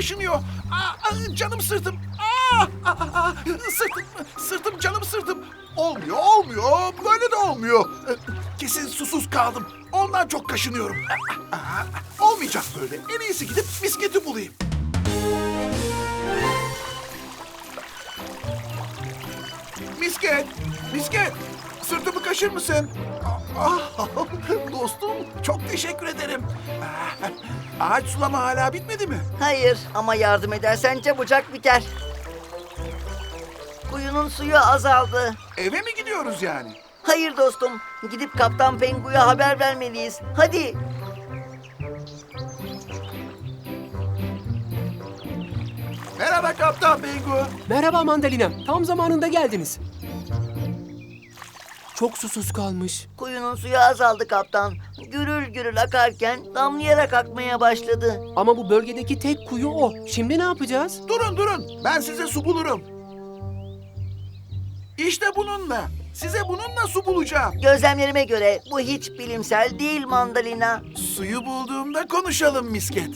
kaşınıyor. Canım sırtım. Sırtım canım sırtım. Olmuyor. Böyle de olmuyor. Kesin susuz kaldım. Ondan çok kaşınıyorum. Olmayacak böyle. En iyisi gidip bisikleti bulayım. Misket. Sırtımı kaşır mısın? Dostum, çok teşekkür ederim. Ağaç sulama hala bitmedi mi? Hayır ama yardım edersen çabucak biter. Kuyunun suyu azaldı. Eve mi gidiyoruz yani? Hayır dostum, gidip Kaptan Pengu'ya haber vermeliyiz. Hadi. Merhaba Kaptan Pengu. Merhaba Mandalina. Tam zamanında geldiniz. Çok susuz kalmış. Kuyunun suyu azaldı kaptan. Gürül gürül akarken damlayarak akmaya başladı. Ama bu bölgedeki tek kuyu o. Şimdi ne yapacağız? Durun. Ben size su bulurum. İşte bununla. Size bununla su bulacağım. Gözlemlerime göre bu hiç bilimsel değil Mandalina. Suyu bulduğumda konuşalım misket.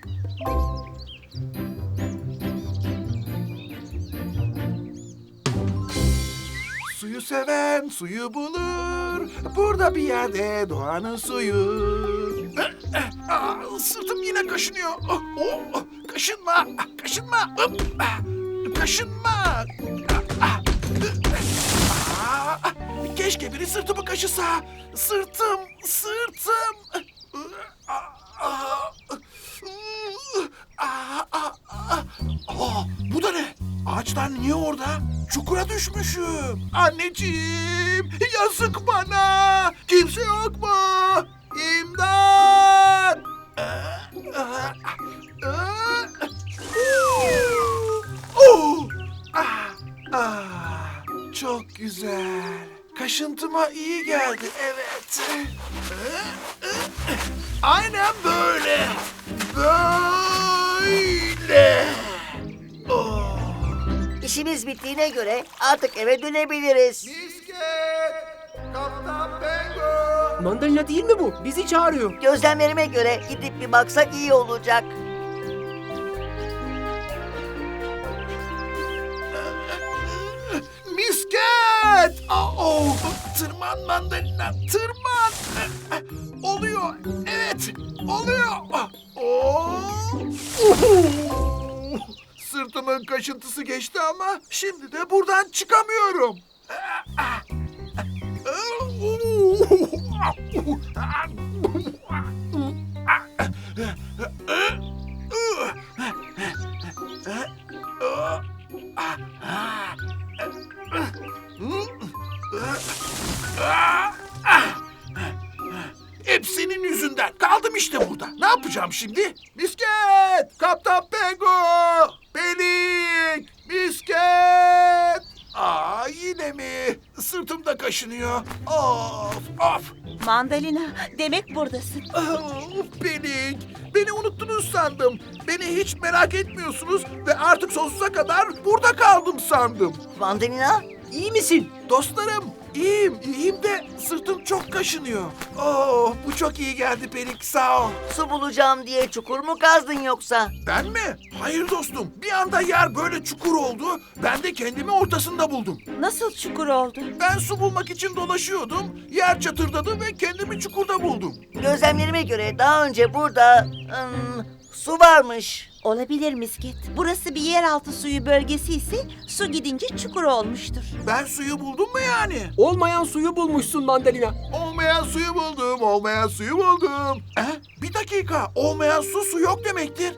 Suyu seven suyu bulur. Burada bir yerde doğanın suyu. Sırtım yine kaşınıyor. Kaşınma. Kaşınma. Keşke biri sırtımı kaşısa. Sırtım. Bu da ne? Ağaçlar niye orada? Çukura düşmüşüm. Anneciğim, yazık bana. Kimse yok mu? İmdat! Çok güzel. Kaşıntıma iyi geldi, evet. Aynen böyle. İşimiz bittiğine göre artık eve dönebiliriz. Misket! Kaptan Pengu! Mandalina değil mi bu? Bizi çağırıyor. Gözlemlerime göre gidip bir baksak iyi olacak. Misket! Tırman Mandalina, tırman! Oluyor, evet, oluyor. Sırtımın kaşıntısı geçti ama şimdi de buradan çıkamıyorum. Hep senin yüzünden. Kaldım işte burada. Ne yapacağım şimdi? Misket! Kaptan Pengu! Pelik! Misket! Yine mi? Sırtım da kaşınıyor. Of! Mandalina, demek buradasın. Pelik! Beni unuttunuz sandım. Beni hiç merak etmiyorsunuz ve artık sonsuza kadar burada kaldım sandım. Mandalina, İyi misin? Dostlarım, iyiyim de sırtım çok kaşınıyor. Bu çok iyi geldi Pelik, sağ ol. su bulacağım diye çukur mu kazdın yoksa? Ben mi? Hayır dostum, bir anda yer böyle çukur oldu, ben de kendimi ortasında buldum. Nasıl çukur oldu? Ben su bulmak için dolaşıyordum, yer çatırdadı ve kendimi çukurda buldum. Gözlemlerime göre daha önce burada su varmış. Olabilir Misket. Burası bir yeraltı suyu bölgesi ise su gidince çukur olmuştur. Ben suyu buldum mu yani? Olmayan suyu bulmuşsun Mandalina. Olmayan suyu buldum. Bir dakika, olmayan su yok demektir.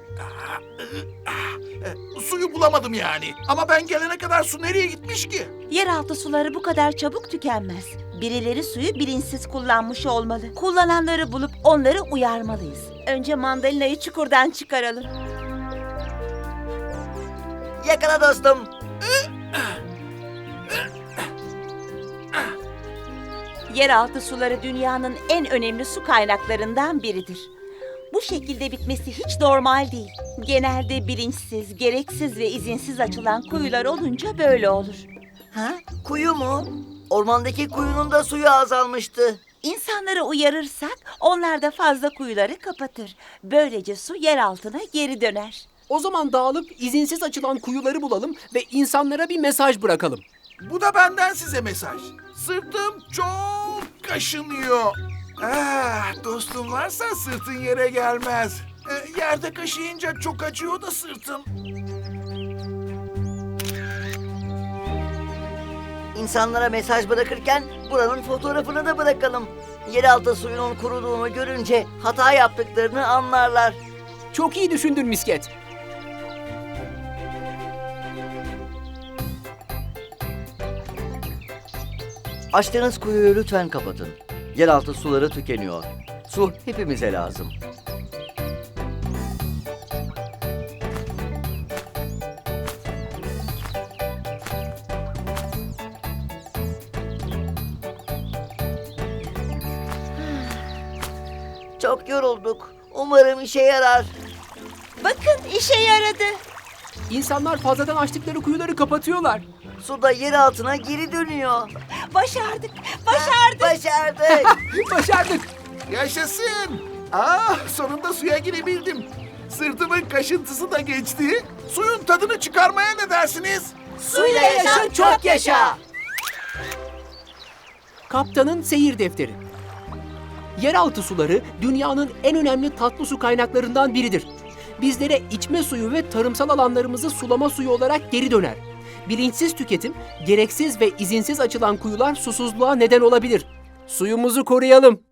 Suyu bulamadım yani. Ama ben gelene kadar su nereye gitmiş ki? Yeraltı suları bu kadar çabuk tükenmez. Birileri suyu bilinçsiz kullanmış olmalı. Kullananları bulup onları uyarmalıyız. Önce Mandalina'yı çukurdan çıkaralım. Yakala dostum. Yeraltı suları dünyanın en önemli su kaynaklarından biridir. Bu şekilde bitmesi hiç normal değil. Genelde bilinçsiz, gereksiz ve izinsiz açılan kuyular olunca böyle olur. Ha? Kuyu mu? Ormandaki kuyunun da suyu azalmıştı. İnsanları uyarırsak onlar da fazla kuyuları kapatır. Böylece su yer altına geri döner. O zaman dağılıp izinsiz açılan kuyuları bulalım ve insanlara bir mesaj bırakalım. Bu da benden size mesaj. Sırtım çok kaşınıyor. Dostum varsa sırtın yere gelmez. Yerde kaşıyınca çok acıyor da sırtım. İnsanlara mesaj bırakırken buranın fotoğrafını da bırakalım. Yeraltı suyunun kuruduğunu görünce hata yaptıklarını anlarlar. Çok iyi düşündün misket. Açtığınız kuyuyu lütfen kapatın. Yeraltı suları tükeniyor. Su hepimize lazım. Çok yorulduk. Umarım işe yarar. Bakın işe yaradı. İnsanlar fazladan açtıkları kuyuları kapatıyorlar. Su da yer altına geri dönüyor. Başardık, başardık. Başardık. Başardık. Yaşasın. Sonunda suya girebildim. Sırtımın kaşıntısı da geçti. Suyun tadını çıkarmaya ne dersiniz? Suyla yaşa, çok yaşa. Kaptanın seyir defteri. Yeraltı suları dünyanın en önemli tatlı su kaynaklarından biridir. Bizlere içme suyu ve tarımsal alanlarımızı sulama suyu olarak geri döner. Bilinçsiz tüketim, gereksiz ve izinsiz açılan kuyular susuzluğa neden olabilir. Suyumuzu koruyalım.